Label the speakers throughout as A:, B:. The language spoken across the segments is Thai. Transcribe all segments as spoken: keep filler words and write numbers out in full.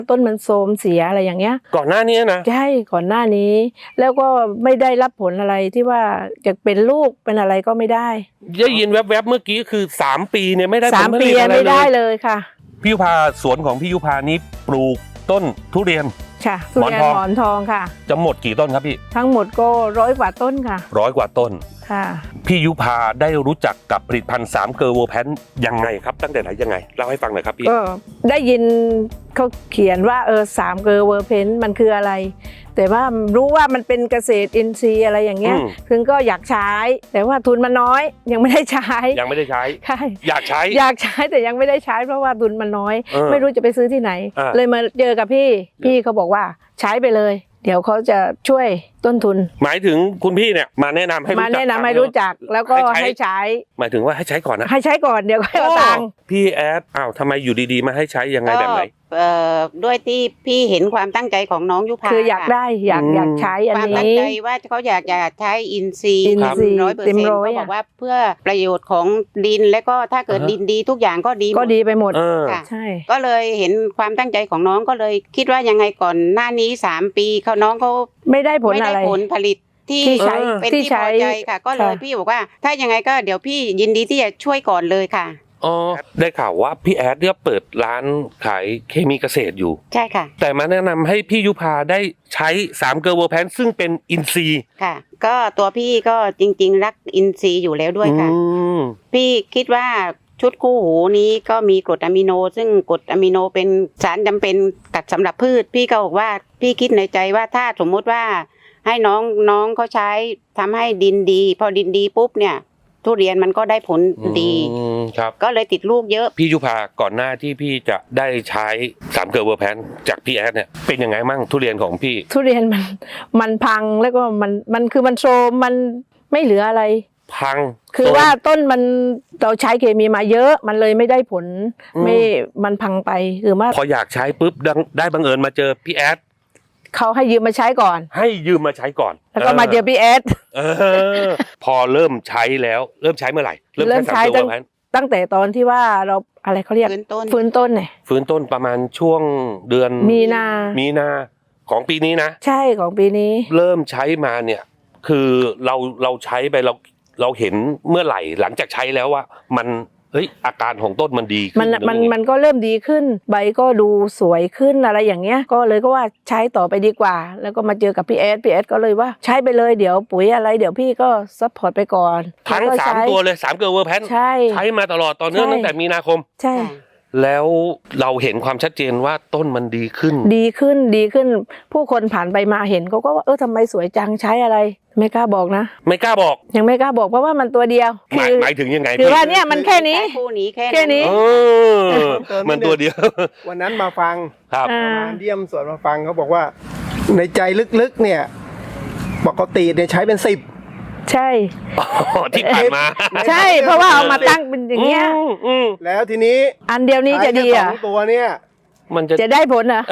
A: ต้นมันโทรมเสียอะไรอย่างเงี้ย
B: ก่อนหน้านี้นะ
A: ใช่ก่อนหน้านี้แล้วก็ไม่ได้รับผลอะไรที่ว่าจะเป็นลูกเป็นอะไรก็ไม่ได้
B: ได้ยินแวบๆเมื่อกี้คือสามปีเนี่ยไม่ได้
A: สามปีไม่ได้เลยค่ะ
B: พี่ยุพาสวนของพี่ยุพานี้ปลูกต้นทุเรียน
A: ค่ะทุเรียนหมอนทองค่ะ
B: จะหมดกี่ต้นครับพี่
A: ทั้งหมดก็ร้อยกว่าต้นค่ะ
B: ร้อยกว่าต้น
A: ค่ะ
B: พี่ยุพาได้รู้จักกับผลิตภัณฑ์สามเกอร์โวแพนยังไงครับตั้งแต่ไหนยังไงเล่าให้ฟังหน่อยครับพี่
A: ก็ได้ยินเขาเขียนว่าเออสามเกอร์โวแพนมันคืออะไรแต่ว่ารู้ว่ามันเป็นเกษตรอินทรีย์อะไรอย่างเงี้ยถึงก็อยากใช้แต่ว่าทุนมันน้อยยังไม่ได้ใช้
B: ยังไม่ได้ใช้
A: ใช่
B: อยากใช้
A: อยากใช้แต่ยังไม่ได้ใช้เพราะว่าทุนมันน้อยไม่รู้จะไปซื้อที่ไหนเลยมาเจอกับพี่พี่เขาบอกว่าใช้ไปเลยเดี๋ยวเขาจะช่วยต้นทุน
B: หมายถึงคุณพี่เนี่ยมาแนะนำให้รู้จัก
A: มาแนะนำให้รู้จักแล้วก็ให้ใช้
B: หมายถึงว่าให้ใช้ก่อนนะ
A: ให้ใช้ก่อนเดี๋ยวค่อยเอาตังค์
B: พี่แอดอ้าวทำไมอยู่ดีๆมาให้ใช้ยังไงแบบไหน
C: เอ่อด้วยที่พี่เห็นความตั้งใจของน้องยุพา
A: คืออยากได้อยากอยากใช้อันนี้
C: ความตั้งใจว่าเขาอยากจะใช้อินทรีย์ร้อยเปอร์เซ็นต์เขาบอกว่าเพื่อประโยชน์ของดินและก็ถ้าเกิดดินดีทุกอย่างก็ดี
A: ก็ดีไปหมด
C: ค่ะใช่ก็เลยเห็นความตั้งใจของน้องก็เลยคิดว่ายังไงก่อนหน้านี้สามปีเขาน้องเขา
A: ไม่ได้ผลอะไร
C: ไม่ได้ผลผลิตที่ใช้เป็นที่พอใจค่ะก็เลยพี่บอกว่าถ้ายังไงก็เดี๋ยวพี่ยินดีที่จะช่วยก่อนเลยค่ะ
B: อ๋อได้ข่าวว่าพี่แอดเนี่ยเปิดร้านขายเคมีเกษตรอยู่
C: ใช่ค่ะ
B: แต่มาแนะนำให้พี่ยุพาได้ใช้สามเกอร์โวแพนซึ่งเป็นอินทรีย์
C: ค่ะก็ตัวพี่ก็จริงๆรักอินทรีย์อยู่แล้วด้วยค่ะพี่คิดว่าชุดคู่หูนี้ก็มีกรดอะมิโนซึ่งกรดอะมิโนเป็นสารจำเป็นกับสำหรับพืชพี่ก็บอกว่าพี่คิดในใจว่าถ้าสมมติว่าให้น้องน้องเขาใช้ทำให้ดินดีพอดินดีปุ๊บเนี่ยทุเรียนมันก็ได้ผลดี
B: ครับ
C: ก็เลยติดลูกเยอะ
B: พี่ยุพาก่อนหน้าที่พี่จะได้ใช้สามเกอร์โวแพนจากพี่แอดเนี่ยเป็นยังไงมั่งทุเรียนของพี่
A: ทุเรียนมันมันพังแล้วก็มันมันคือมันโทรมมันไม่เหลืออะไร
B: พัง
A: คือว่าต้นมันเราใช้เคมีมาเยอะมันเลยไม่ได้ผลไม่มันพังไปคือว่า
B: พออยากใช้ปุ๊บได้บังเอิญมาเจอพี่แอด
A: เขาให้ยืมมาใช้ก่อน
B: ให้ยืมมาใช้ก่อน
A: แล้วก็มาเจอพี่แอด
B: พอเริ่มใช้แล้วเริ่มใช้เมื่อไหร่
A: เริ่มใช้ตั้งตั้งแต่ตอนที่ว่าเราอะไรเขาเรียก
C: ฟื้นต้น
A: ฟื้นต้นเนี่ย
B: ฟื้นต้นประมาณช่วงเดือน
A: มีนา
B: มีนาของปีนี้นะ
A: ใช่ของปีนี้
B: เริ่มใช้มาเนี่ยคือเราเราใช้ไปเราเราเห็นเมื่อไหร่หลังจากใช้แล้วว่ามันเฮ้ยอาการของต้นมันดีขึ้น
A: มันมันมันก็เริ่มดีขึ้นใบก็ดูสวยขึ้นอะไรอย่างเงี้ยก็เลยก็ว่าใช้ต่อไปดีกว่าแล้วก็มาเจอกับพี่แอดพี่แอดก็เลยว่าใช้ไปเลยเดี๋ยวปุ๋ยอะไรเดี๋ยวพี่ก็ซัพพอร์ตไปก่อน
B: ทั้งสามตัวเลยสามเกอร์โวแพนใช้ใช้มาตลอดตอนนี้ตั้งแต่มีนาคม
A: ใช่
B: แล้วเราเห็นความชัดเจนว่าต้นมันดีขึ้น
A: ดีขึ้นดีขึ้นผู้คนผ่านไปมาเห็นเขาก็ว่าเออทำไมสวยจังใช้อะไรไม่กล้าบอกนะ
B: ไม่กล้าบอก
A: ยังไม่กล้าบอกเพราะว่ามันตัวเดียว
B: หมายหมายถึงยังไง
A: คือว่าเนี่ยมันแค่นี้
C: คู่นี้แค่
A: แค่นี้
B: มันตัวเดียว
D: วันนั้นมาฟัง
B: ครับ
D: มาเยี่ยมสวนมาฟังเขาบอกว่าในใจลึกๆเนี่ยปกติเนี่ยใช้เป็นสิบ
A: ใช่
B: ที่ผ่านมา
A: ใช่เพราะว่าเอามาตั้งเป็นอย่างเงี้ย
D: แล้วทีนี้
A: อันเดียวนี้จะดีอ่ะ
D: ตัวเนี่ย
B: มันจะ
A: จะได้ผลอ่ะ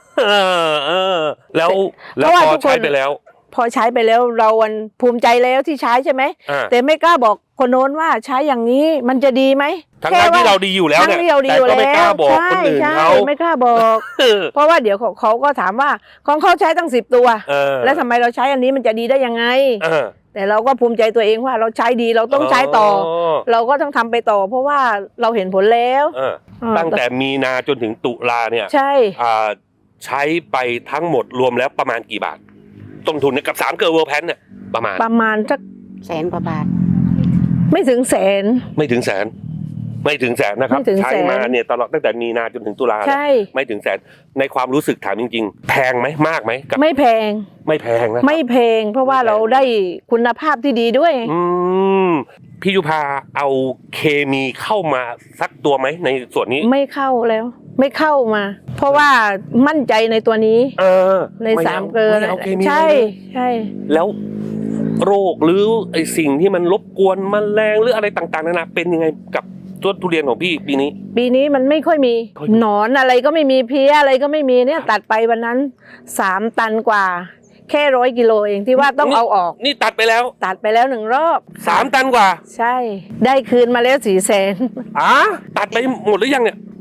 B: แล้วแล้วพอใช้ไปแล้ว
A: พอใช้ไปแล้วเราภูมิใจแล้วที่ใช้ใช่ไหมแต่ไม่กล้าบอกคนโน้นว่าใช้อย่างนี้มันจะดีไหม
B: ทั้งที่เราดีอยู่แล้วเนี่ยแต่ก็ไม่กล้าบอกคนอื่นเขา
A: ไม่กล้าบอกเพราะว่าเดี๋ยวเขาก็ถามว่าของเขาใช้ตั้งสิบตัวแล้วทำไมเราใช้อันนี้มันจะดีได้ยังไงแต่เราก็ภูมิใจตัวเองว่าเราใช้ดีเราต้องใช้ต่อเราก็ต้องทำไปต่อเพราะว่าเราเห็นผลแล้ว
B: ตั้งแต่มีนาจนถึงตุลาเนี่ย
A: ใช่
B: ใช้ไปทั้งหมดรวมแล้วประมาณกี่บาทต้นทุนกับสามเกอร์โวแพนเนี่ยประมาณ
A: ประมาณสัก
C: แสนกว่าบาท
A: ไม่ถึงแสน
B: ไม่ถึงแสนไม่ถึงแสนนะครับใช้มาเนี่ยตลอดตั้งแต่มีนาจนถึงตุลาไม่ถึงแสนในความรู้สึกถามจริงๆแพงไหมมากไหม
A: ไม่แพง
B: ไม่แพงนะ
A: ไม่แพงเพราะว่าเราได้คุณภาพที่ดีด้วย
B: อืมพี่ยุพาเอาเคมีเข้ามาสักตัวไหมในส่วนนี้
A: ไม่เข้าแล้วไม่เข้ามาเพราะว่ามั่นใจในตัวนี้
B: เออ
A: ในสามเกลือใช่ใช่
B: แล้วโรคหรือไอสิ่งที่มันรบกวนแมลงหรืออะไรต่างๆนานาเป็นยังไงกับต้นทุเรียนของพี่ปีนี้
A: ปีนี้มันไม่ค่อยมีหนอนอะไรก็ไม่มีเพี้ยอะไรก็ไม่มีเนี่ยตัดไปวันนั้นสามตันกว่าแค่ร้อยกิโลเองที่ว่าต้องเอาออก
B: นี่ตัดไปแล้ว
A: ตัดไปแล้วหนึ่งรอบ
B: สามตันกว่า
A: ใช่ได้คืนมาแล้วสี่แสน
B: อ๋อตัดไปหมดหรือยังเนี่ย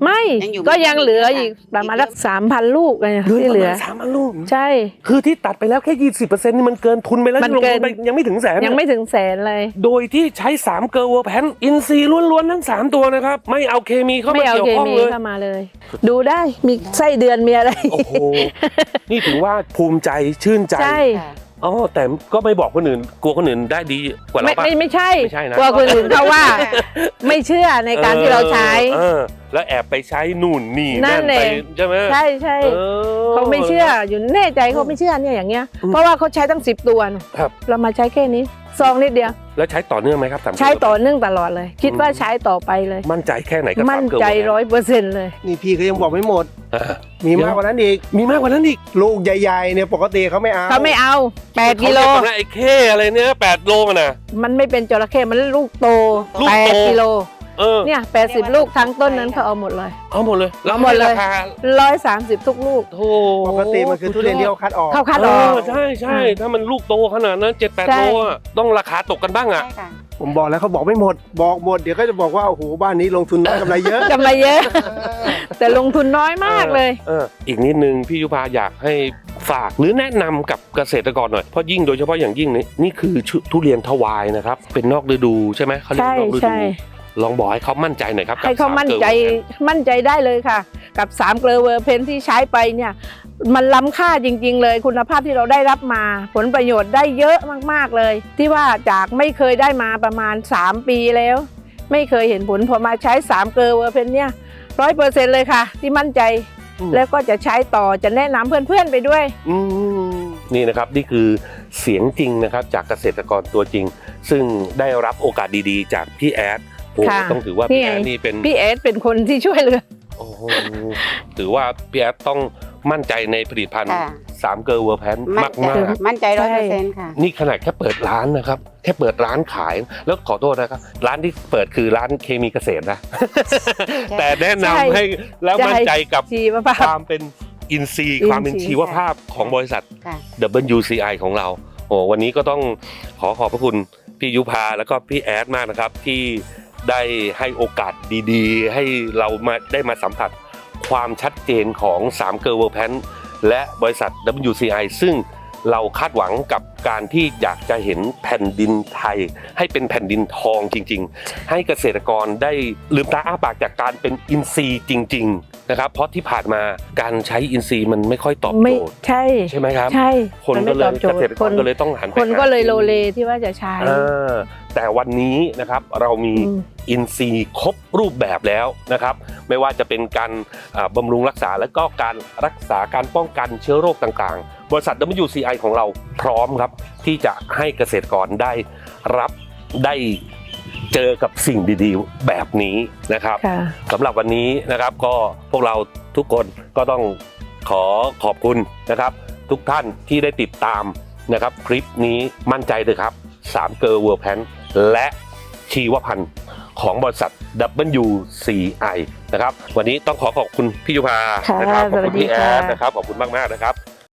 A: ไม่
C: ยังอยู่
A: ก็ยังเหลืออีก
C: ค่ะ
A: ประมาณสักสามพันลูกไง
B: เหลือ
A: ที่
B: ป
A: เหลื
B: ระ
A: อ
B: มาณสามพันลูก
A: ใช่
B: คือที่ตัดไปแล้วแค่ยี่สิบเปอร์เซ็นต์นี่มันเกินทุนไปแล้ว
A: มัน
B: ที่ลง
A: เกิ
B: ทุ
A: น
B: นไปยังไม่ถึงแสน
A: ยังไม่ถึงแสนเลย
B: โดยที่ใช้สามเกลอเวอร์แพนอินซีย์ล้วนๆทั้งสามตัวนะครับไม่เอาเคมีเข้า
A: ไม่
B: มา
A: เอา
B: เกี่ยว
A: เค
B: ข้อง
A: มี
B: เลย
A: เข้ามาเลย ดูได้มีไส้เดือนมีอะไร
B: โอ้โหนี่ถือว่าภูมิใจชื่นใจ
A: ใช่
C: ค่ะ
B: อ๋อแต่ก็ไม่บอกคนอื่นกลัวคนอื่นได้ดีกว่า
A: ไม่
B: เราปะ
A: ไม่ไม่ใช่
B: ไม่ใช่นะ
A: กลัวคนอื่นเขาว่า ไม่เชื่อในการที่เราใช้
B: เออแล้วแอบไปใช้นู่นนี่
A: นั่น
B: ไป
A: เอง
B: ใช่ไหม
A: ใช่ใช่
B: ออ
A: เขาไม่เชื่ออยู่แน่ใจเขาไม่เชื่อเนี่ยอย่างเงี้ย
B: อืม
A: เพราะว่าเขาใช้ตั้งสิบตัวน่ะ
B: ครับ
A: เรามาใช้แค่นี้ซองนิดเดียว
B: แล้วใช้ต่อเนื่องไหมครับสาม
A: ใช้ต่อเนื่องตลอดเลย คิดว่าใช้ต่อไปเลย
B: มั่นใจแค่ไหนกับ
A: มั่น
B: สามเกลอ
A: ใจ
B: เวอร์แพน
A: ร้อยเปอร์เซ็นต์เลย
D: นี่พี่เขายังบอกไม่หมด
B: อ่า
D: มีมากกว่านั้นอีก
B: มีมากกว่านั้นอีก
D: ลูกใหญ่ๆเนี่ยปกติเขาไม่เอา
A: เขาไม่เอาแปด
B: เขา
A: กิโล
B: เรียกันนะไอ้เข้อะไรเนี่ยแปดโลมันนะ
A: มันไม่เป็นจระเข้มันลูกโต
B: ลูก
A: แป
B: โต
A: ดกิโล
B: เออ
A: เนี่ยแปดสิบลูกทั้งต้นนั้นเขาเอาหมดเลย
B: เอาหมดเลย
A: เอาหมดเลย
B: ราคา
A: ร้อยสามสิบทุกลูก
B: โธ่
D: ปกติมันคือทุเรียนที่เขาคัดออก
A: เข้าคัด
B: เอ
A: ออก
B: อใช่ใช่ถ้ามันลูกโตขนาดนั้นเจ็ดแปด
A: ใช่
B: โลอะต้องราคาตกกันบ้างอ่ะ
C: ใช่ค่ะ
D: ผมบอกแล้วเขาบอกไม่หมด บอกหมดเดี๋ยวก็จะบอกว่าโอ้โหบ้านนี้ลงทุนน้อยกำไรเยอะ
A: กำไรเยอะ แต่ลงทุนน้อยมากเลย
B: อออีกนิดนึงพี่ยุพาอยากให้ฝากหรือแนะนำกับเกษตรกรหน่อยเพราะยิ่งโดยเฉพาะอย่างยิ่งนี่นี่คือทุเรียนทวายนะครับเป็นนอกฤดูใช่ไหมเขาเรียก
A: ใช่
B: นอกฤ
A: ใช่
B: ดูลองบอกให้เขามั่นใจหน่อยครับกับ
A: ให้เขามั่นใจ
B: สามเกลอเวอร์แพน
A: มั่นใจได้เลยค่ะ กับสามเกลอเวอร์เพนที่ใช้ไปเนี่ยมันล้ำค่าจริง ๆ เลยคุณภาพที่เราได้รับมา ผลประโยชน์ได้เยอะมากๆเลย ที่ว่าจากไม่เคยได้มาประมาณสามปีแล้ว ไม่เคยเห็นผลพอมาใช้สามเกลอเวอร์เพนเนี่ยร้อยเปอร์เซ็นต์เลยค่ะ ที่มั่นใจ
B: อืม
A: แล้วก็จะใช้ต่อจะแนะนำเพื่อนๆไปด้วย
B: อืมนี่นะครับนี่คือเสียงจริงนะครับจากเกษตรกรตัวจริง ซึ่งได้รับโอกาสดีๆ จากพี่แอดโอ้
A: ค่ะ
B: ต้องถือว่า
A: นี่
B: พี่
A: ไง
B: แอดนี่เป็น
A: พี่เอสเป็นคนที่ช่วยเหลือ
B: โอ้โหถือว่าพี่แอดต้องมั่นใจในผลิตภัณฑ์
C: ค่ะ
B: สามเกลอเวอร์แพน
C: มั่
B: มาน ก
C: ใจ
B: มาก
C: มั่นใจร้อยเปอร์เซ็นต์ค่ะ
B: นี่ขนาดแค่เปิดร้านนะครับ แค่เปิดร้านขาย แล้วขอโทษนะครับ ร้านที่เปิดคือร้านเคมีเกษตรนะ แต่แนะนำ
A: ใช่
B: ให้แล้วมั่นใจกับ
A: ชีวภา
B: ค
A: พ
B: วามเป็นอินซีย์
A: อินทรีย์
B: ความเป็นชีวภาพของบริษัท
C: ค่ะ
B: ดับเบิลยู ซี ไอ ของเราโอ้วันนี้ก็ต้องขอขอบพระคุณพี่ยุพาแล้วก็พี่แอดมากนะครับ ที่ได้ให้โอกาสดีๆ ให้เรามาได้มาสัมผัสความชัดเจนของสามเกลอเวอร์แพนและบริษัท ดับเบิลยู ซี ไอ ซึ่งเราคาดหวังกับการที่อยากจะเห็นแผ่นดินไทย ให้เป็นแผ่นดินทองจริงๆ ให้เกษตรกรได้ลืมตาอ้าปากจากการเป็นอินทรีย์จริงๆนะครับเพราะที่ผ่านมาการใช้อินทรีย์มันไม่ค่อยตอบ
A: ไม่
B: โจทย์
A: ใช่
B: ใช่ไหมครับ
A: ใช่
B: คน
A: มั
B: ก็
A: ไม่
B: เล
A: ตอย บโจ
B: เก
A: ท
B: ษ
A: ย์
B: ตรกรก็เลยต้องหันไป
A: คนก็เลย
B: หา
A: โลเลที่ว่าจะใช้
B: อ่าแต่วันนี้นะครับเรามี
A: อืม
B: อินซีย์ครบรูปแบบแล้วนะครับไม่ว่าจะเป็นการอ่าบำรุงรักษาและก็การรักษาการป้องกันเชื้อโรคต่างๆ บริษัท ดับเบิลยู ซี ไอ ของเราพร้อมครับที่จะให้เกษตรกรได้รับได้เจอกับสิ่งดีๆ แบบนี้นะครับ
A: ค่ะ
B: สำหรับวันนี้นะครับก็พวกเราทุกคนก็ต้องขอขอบคุณนะครับ ทุกท่านที่ได้ติดตามนะครับคลิปนี้มั่นใจเลยครับสามเกลอเวอร์แพนและชีวพันธุ์ของบริษัท ดับเบิลยู ซี ไอ นะครับวันนี้ต้องขอขอบคุณพี่ยุพา
A: ค่ะ
B: นะครับขอบ
A: สวั
B: คุ
A: ส
B: ณ
A: ดี
B: พี่แอ
A: ค่ะ
B: ดนะครับขอบคุณมากๆนะครับ